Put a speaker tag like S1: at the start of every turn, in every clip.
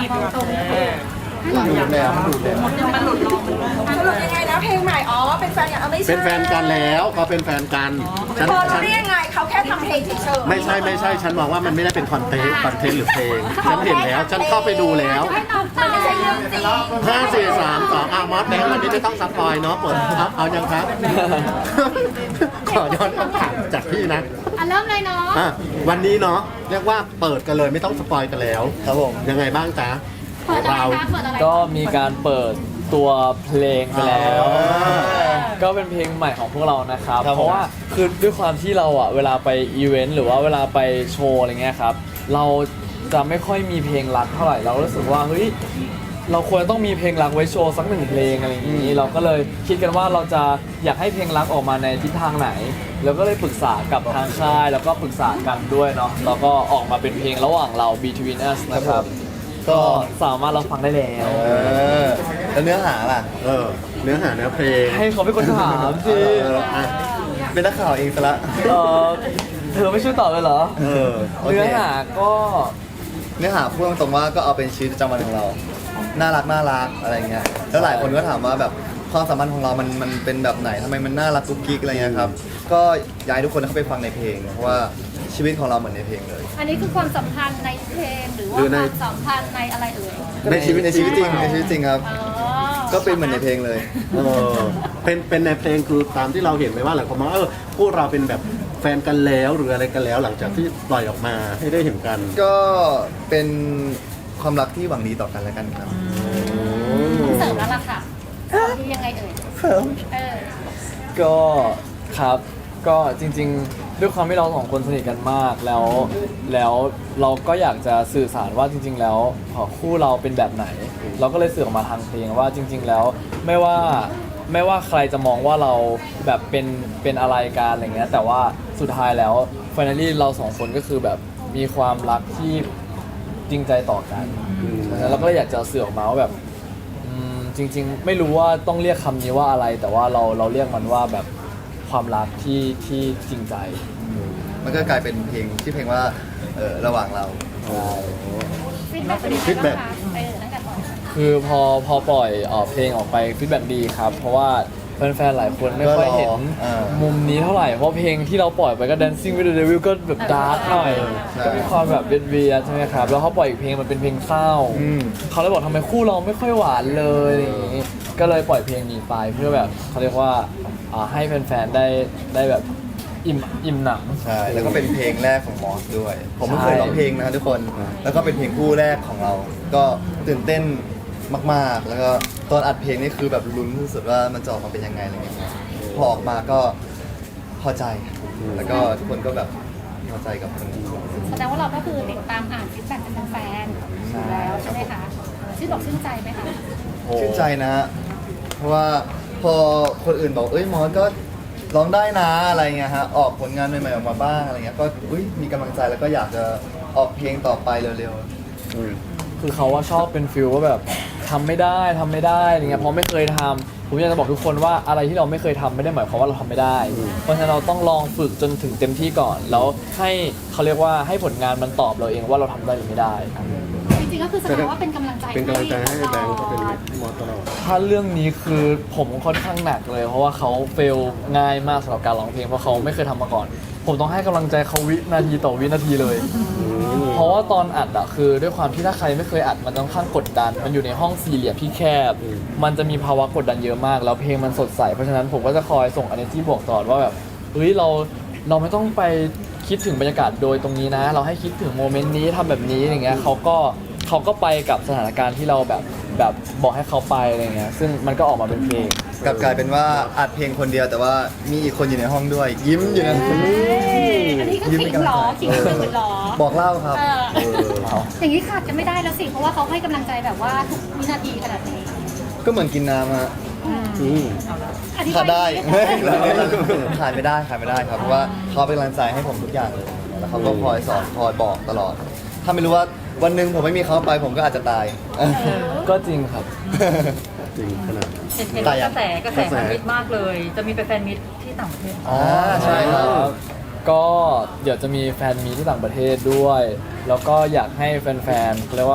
S1: ตรง
S2: ดูดแล้วมันดูดแล้ว
S1: มันหลุดลงสรุปยังไงนะเพลงใหม่อ๋อเป็นแฟนกันเอาไม่ใช่
S2: เป็นแฟนกันแล้วเขาเป็นแฟนกันฉัน
S1: พอรู้ได้ยังไงเขาแค่ทำเพลงเฉยๆ
S2: ไม่ใช่ฉันมองว่ามันไม่ได้เป็นคอนเทนต์หรือเพลงฉันเห็นแล้วฉันเข้าไปดูแล้ว
S1: มันไม่ใช่เรื่องจริง
S2: 5 4 3 2มอสแดงวันนี้ไม่ต้องสปอยเนาะเปิดเอายังครับ ขอย้อนคำถามจากพี่นะ
S3: เริ่มเลยเนาะ
S2: วันนี้เนาะเรียกว่าเปิดกันเลยไม่ต้องสปอยกันแล้ว
S4: ครับผม
S2: ยังไงบ้างจ๊ะ
S3: เปิดอะไรคะเปิดอะไร
S5: ก็มีการเปิดตัวเพลงไปแล้ว ก็เป็นเพลงใหม่ของพวกเรานะครับ
S4: ครับผม
S5: เพราะว่าคือด้วยความที่เราอ่ะเวลาไปอีเวนต์หรือว่าเวลาไปโชว์อะไรเงี้ยครับ เราจะไม่ค่อยมีเพลงรักเท่าไหร่ เรารู้สึกว่าเฮ้ยเราควรต้องมีเพลงรักไว้โชว์สักหนึ่งเพลงอะไรอย่างนี้ เราก็เลยคิดกันว่าเราจะอยากให้เพลงรักออกมาในทิศทางไหน แล้วก็เลยปรึกษากับทางค่าย แล้วก็ปรึกษากันด้วยเนาะ แล้วก็ออกมาเป็นเพลงระหว่างเรา Between Us นะครับ ก็สามารถรับฟังได้แล้ว
S4: แล้วเนื้อหาล่ะ
S2: เนื้อหาเนื้อเพลง
S5: ให้เขาเป็นคนถามสิ
S2: อ่ะ
S4: เป็นนักข่าวเองซะละ
S5: เออเธอไม่ช่วยตอบเลยเหรอ
S4: โอเค
S5: เนื้อหาก็
S4: เนื้อหาพูดตรงๆว่าก็เอาเป็นชีวิตประจำวันของเรา น่ารักอะไรเงี้ย แล้วหลายคนก็ถามว่าแบบความสัมพันธ์ของเรามันเป็นแบบไหนทำไมมันน่ารักกุ๊กกิ๊กอะไรเงี้ยครับ ก็อยากให้ทุกคนเข้าไปฟังในเพลง เพราะว่าชีวิตของเราเหมือนในเพลงเลย
S3: อันนี้คือความสัมพันธ์ในเพลงหรือว่าความสัมพันธ์ในอะไรเอ่ย
S4: ในชีวิตจริงครับ
S3: อ๋อ
S4: ก็เป็นเหมือนในเพลงเลย
S2: เป็นในเพลงคือตามที่เราเห็นไหมว่าหลายคนมองว่าพวกเราเป็นแบบแฟนกันแล้วหรืออะไรกันแล้วหลังจากที่ปล่อยออกมาให้ได้เห็นกัน
S4: ก็เป็นความรักที่หวังดีต่อกันและกันครับ
S3: เสริมแล้วล่ะค่ะที่ยังไงเอ่ยเออ
S5: ก็ครับ ก็จริงๆ ด้วยความที่เราสองคนสนิทกันมากแล้วเราก็อยากจะสื่อสารว่าจริง ๆ แล้วคู่เราเป็นแบบไหน เราก็เลยสื่อออกมาทางเพลงว่าจริง ๆ แล้วไม่ว่าใครจะมองว่าเราแบบเป็นอะไรกันอะไรเงี้ยแต่ว่าสุดท้ายแล้วfinally เราสองคนก็คือแบบมีความรักที่จริงใจต่อกันแล้วเราก็เลยอยากจะสื่อออกมาว่าแบบจริง ๆ ไม่รู้ว่าต้องเรียกคำนี้ว่าอะไร แต่ว่าเราเรียกมันว่าแบบความรักที่จริงใจ
S4: มันก็กลายเป็นเพลงที่เพลงว่าระหว่างเรา
S3: ฟีดแบ็กเป็นยังไงบ้างคะตั้งแต่ก่อน
S5: คือพอปล่อยเพลงออกไปฟีดแบ็กดีครับ เพราะว่าแฟนๆหลายคนไม่ค่อยเห็น มุมนี้เท่าไหร่ เพราะเพลงที่เราปล่อยไปก็ Dancing with the Devil ก็แบบดาร์กหน่อย ก็มีความแบบเวียนๆใช่ไหมครับ แล้วเขาปล่อยอีกเพลงมันเป็นเพลงเศร้า เขาเลยบอกทำไมคู่เราไม่ค่อยหวานเลยอะไรอย่างงี้ก็เลยปล่อยเพลงนี้ไปเพื่อแบบเขาเรียกว่าให้แฟนๆได้แบบอิ่มหนำ
S4: ใช่ แล้วก็เป็นเพลงแรกของมอสด้วย ผมไม่เคยร้องเพลงนะครับทุกคน แล้วก็เป็นเพลงคู่แรกของเรา ก็ตื่นเต้นมากๆ แล้วก็ตอนอัดเพลงนี่คือแบบลุ้นที่สุดว่ามันจะออกมาเป็นยังไงอะไรเงี้ยพอออกมาก็พอใจ แล้วก็ทุกคนก็แบบพอใจกับเพลง
S3: แสดงว่าเราก็คือติดตามอ่านฟีดแบ็กเป็นแฟนอยู่แล้วใช่ไหมคะชื่นอกชื่นใจไหมคะ
S4: ชื่นใจนะฮะเพราะว่าพอคนอื่นบอกมอสก็ร้องได้นะอะไรเงี้ยฮะ ออกผลงานใหม่ๆออกมาบ้างอะไรเงี้ย ก็มีกำลังใจแล้วก็อยากจะออกเพลงต่อไปเร็ว
S5: คือเขาว่าชอบเป็นฟิลว่าแบบทำไม่ได้อะไรเงี้ยเพราะไม่เคยทำผมอยากจะบอกทุกคนว่าอะไรที่เราไม่เคยทำไม่ได้หมายความว่าเราทำไม่ได้ เพราะฉะนั้นเราต้องลองฝึกจนถึงเต็มที่ก่อน แล้วให้เขาเรียกว่าให้ผลงานมันตอบเราเองว่าเราทำได้หรือไม่ได้
S3: จริงๆก็คือแสดงว่าเป็นกำลังใจ
S2: เป็นกำลังใจให้แบงค์
S3: ต
S2: ก็เป็น
S3: ลอด
S2: มอสตลอด
S5: ถ้าเรื่องนี้คือผมค่อนข้างหนักเลย เพราะว่าเขาเฟลง่ายมากสำหรับการร้องเพลงเพราะเขาไม่เคยทำมาก่อน ผมต้องให้กำลังใจเขาวินาทีต่อวินาทีเลย เพราะว่าตอนอัดอะคือด้วยความที่ถ้าใครไม่เคยอัดมันต้องข้างกดดัน มันอยู่ในห้องสี่เหลี่ยมที่แคบ มันจะมีภาวะกดดันเยอะมาก แล้วเพลงมันสดใสเพราะฉะนั้นผมก็จะคอยส่ง energy บวกตลอดว่าแบบเฮ้ยเราไม่ต้องไปคิดถึงบรรยากาศโดยตรงนี้นะ เราให้คิดถึงโมเมนต์นี้ทำแบบนี้อย่างเงี้ยเขาก็ไปกับสถานการณ์ที่เราแบบบอกให้เขาไปอะไรเงี้ยซึ่งมันก็ออกมาเป็นเพลง
S4: ๆ กลับกลายเป็นว่าอัดเพลงคนเดียวแต่ว่ามีอีกคนอยู่ในห้องด้วย ยิ้มอยู่นะ
S3: อันนี้ก็ขิงหรอขิงฝืนหรอ
S4: บอกเล่าครับ
S3: อย่างนี้ขาดกันไม่ได้แล้วสิเพราะว่าเขาให้กำลังใจแบบว่าทุกวินาทีขนาดนี้
S4: ก็เหมือนกินน้ำฮะ
S3: อธิบ
S4: ขาดได้
S3: ย
S4: ขาดไม่ได้ครับเพราะว่าเขาเป็นกำลังใจให้ผมทุกอย่างเลยแล้วเขาก็คอยสอนคอยบอกตลอด ถ้าไม่รู้ว่าวันหนึ่งผมไม่มีเขาไปผมก็อาจจะตาย
S5: ก็จริงครับ
S2: จริงขนาด
S1: เห็นกระแสแฟนมิตรมากเลย จะมีไปแฟนมิตรที่ต่างประเทศ
S4: ใช่ครับ
S5: ก็เดี๋ยวจะมีแฟนมีที่ต่างประเทศด้วย แล้วก็อยากให้แฟนๆเรียกว่า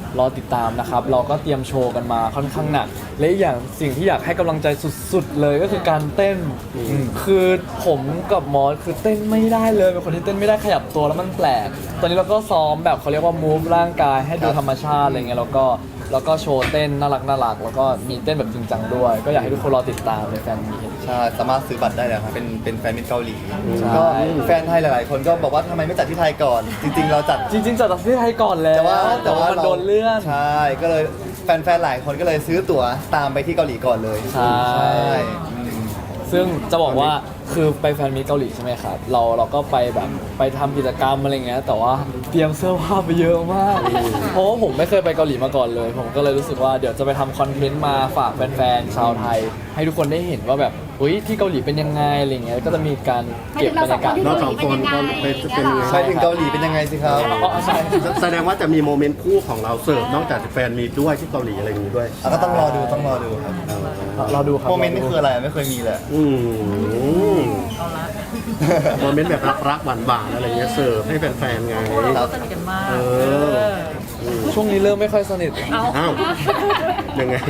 S5: รอติดตามนะครับ เราก็เตรียมโชว์กันมาค่อนข้างหนักและอีกอย่างสิ่งที่อยากให้กำลังใจสุดๆเลยก็คือการเต้น คือผมกับมอสคือเต้นไม่ได้เลยเป็นคนที่เต้นไม่ได้ขยับตัวแล้วมันแปลก ตอนนี้เราก็ซ้อมแบบเขาเรียกว่า move ร่างกายให้ดูธรรมชาติอะไรเงี้ยแล้วก็โชว์เต้นน่ารักแล้วก็มีเต้นแบบจริงจังด้วย ก็อยากให้ทุกคนรอติดตามในแฟนมีต
S4: ใช่สามารถซื้อบัตรได้เลยครับเป็นแฟนมิตรเกาหลี
S5: ใช่
S4: ก็แฟนไทยหลาย ๆ คนก็บอกว่าทำไมไม่จัดที่ไทยก่อน จริง ๆ เราจัด
S5: จริงๆจัดที่ไทยก่อนแล้ว แต่ว่ามันโดนเลื่อน
S4: ใช่ก็เลยแฟน ๆ หลายคนก็เลยซื้อตั๋วตามไปที่เกาหลีก่อนเลย
S5: ใช่
S4: อืม
S5: ซึ่งจะบอกว่าคือไปแฟนมีตเกาหลีใช่ไหมครับเราก็ไปแบบไปทำกิจกรรมอะไรเงี้ยแต่ว่าเตรียมเสื้อผ้าไปเยอะมาก เพราะว่าผมไม่เคยไปเกาหลีมาก่อนเลย ผมก็เลยรู้สึกว่าเดี๋ยวจะไปทำคอนเทนต์มาฝากแฟนๆชาวไทย ให้ทุกคนได้เห็นว่าแบบอุ้ยที่เกาหลีเป็นยังไงอะไรเงี้ยก็จะมีการเก็บบรรยากาศ
S2: เราสองคนก็เป็นยังไง
S4: ไปถึงเกาหลีเป็นยังไงสิครับ
S5: อ๋อใช่
S2: แสดงว่าจะมีโมเมนต์คู่ของเราเสิร์ฟนอกจากแฟนมีด้วยที่เกาหลีอะไรอย่างนี้ด้วย
S4: ก็ต้องรอดูครับ
S5: เราดูครับ
S4: โมเมนต์นี่คืออะไรไม่เคยมีเลย
S2: อืมโมเมนต์แบบรักๆหวานๆอะไรเงี้ยเสิร์ฟให้แฟนๆไง
S1: พวกเราก็สนิทกันมาก
S2: เออ
S5: ช่วงนี้เริ่มไม่ค่อยสนิท
S1: เอา
S2: อ้าวยังไง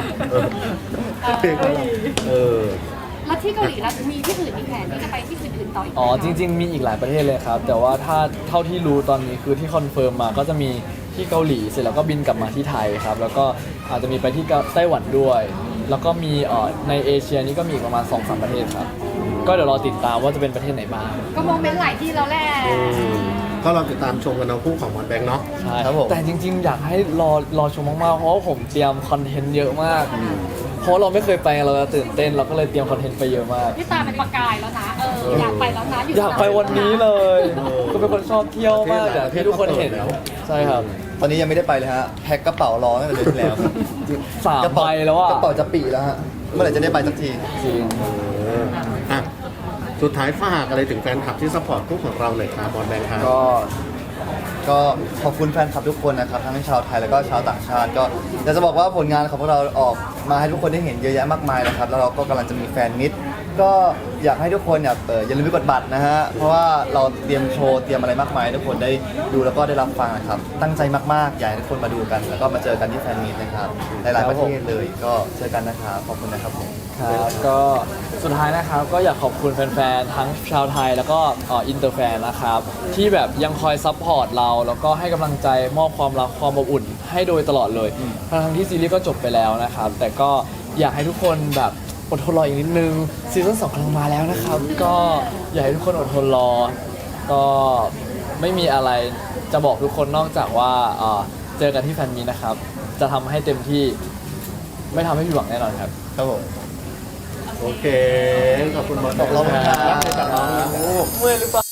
S2: เออ
S3: แล้วที่เกาหลีแล้วมีที่อื่นมีแผนที่จะไปที่อื่นๆต่ออีกไหม
S5: อ๋อ
S3: คะ
S5: จริง ๆ มีอีกหลายประเทศเลยครับ แต่ว่าถ้าเท่าที่รู้ตอนนี้คือที่คอนเฟิร์มมาก็จะมีที่เกาหลีเสร็จแล้วก็บินกลับมาที่ไทยครับ แล้วก็อาจจะมีไปที่ไต้หวันด้วย แล้วก็มีในเอเชียนี้ก็มีอีกประมาณ 2-3 ประเทศครับ ก็เดี๋ยวรอติดตามว่าจะเป็นประเทศไหนบ้าง
S3: ก็โมเมนต์หลายที่แล้วแหละ
S2: ก็เราติดตามชมกันเอาคู่ของมอนแบงค์เนาะ
S5: ใช่
S4: ครับผม
S5: แต่จริง ๆ อยากให้รอชมมากๆ เพราะว่าผมเตรียมคอนเทนต์เยอะมาก เพราะเราไม่เคยไปเราจะตื่นเต้นเราก็เลยเตรียมคอนเทนต์ไปเยอะมาก
S3: พี่ตาเป็นประกายแล้วนะอยากไปแล้วนะ
S5: อยากไปวันนี้เลย ก็เป็นคนชอบเที่ยวมากอย่างที่ทุกคนเห็นใช่ครับ
S4: ตอนนี้ยังไม่ได้ไปเลยฮะแพ็คกระเป๋ารอตั้งแต่เดือนที่แล้ว
S5: 3 ใบแล้วอ่ะ
S4: กระเป๋าจะปีแล้วฮะเมื่อไหร่จะได้ไปสักที
S5: จริง
S2: อ่ะสุดท้ายฝากอะไรถึงแฟนคลับที่ซัพพอร์ตคู่ของเราหน่อยครับมอนแบงค์ครับ
S4: ก็ขอบคุณแฟนคลับทุกคนนะครับทั้งชาวไทยแล้วก็ชาวต่างชาติ ก็อยากจะบอกว่าผลงานของพวกเราออกมาให้ทุกคนได้เห็นเยอะแยะมากมายนะครับแล้วเราก็กำลังจะมีแฟนมิตรก็อยากให้ทุกคนอย่าลืมไปกดบัตรนะฮะเพราะว่าเราเตรียมโชว์เตรียมอะไรมากมายให้ทุกคนได้ดูแล้วก็ได้รับฟังนะครับตั้งใจมากๆอยากให้ทุกคนมาดูกัน แล้วก็มาเจอกันที่แฟนมิตรนะครับหลายๆประเทศเลยก็เจอกันนะครับขอบคุณนะครับผม
S5: ครับก็สุดท้ายนะครับก็อยากขอบคุณแฟนๆทั้งชาวไทยแล้วก็อินเตอร์แฟนนะครับที่แบบยังคอยซัพพอร์ตเราแล้วก็ให้กำลังใจมอบความรักความอบอุ่นให้โดยตลอดเลยทั้งที่ซีรีส์ก็จบไปแล้วนะครับแต่ก็อยากให้ทุกคนแบบอดทนรออีกนิดนึงซีซั่น2กำลังมาแล้วนะครับก็อยากให้ทุกคนอดทนรอก็ไม่มีอะไรจะบอกทุกคนนอกจากว่าเจอกันที่แฟนมีนะครับจะทำให้เต็มที่ไม่ทำให้ผิดหวังแน่นอนครับ
S4: ครับผม
S2: โอเค ขอบคุณมอน
S4: ขอบคุณครับ
S2: จากน้องลูก
S5: เมื่อยหรือเปล่า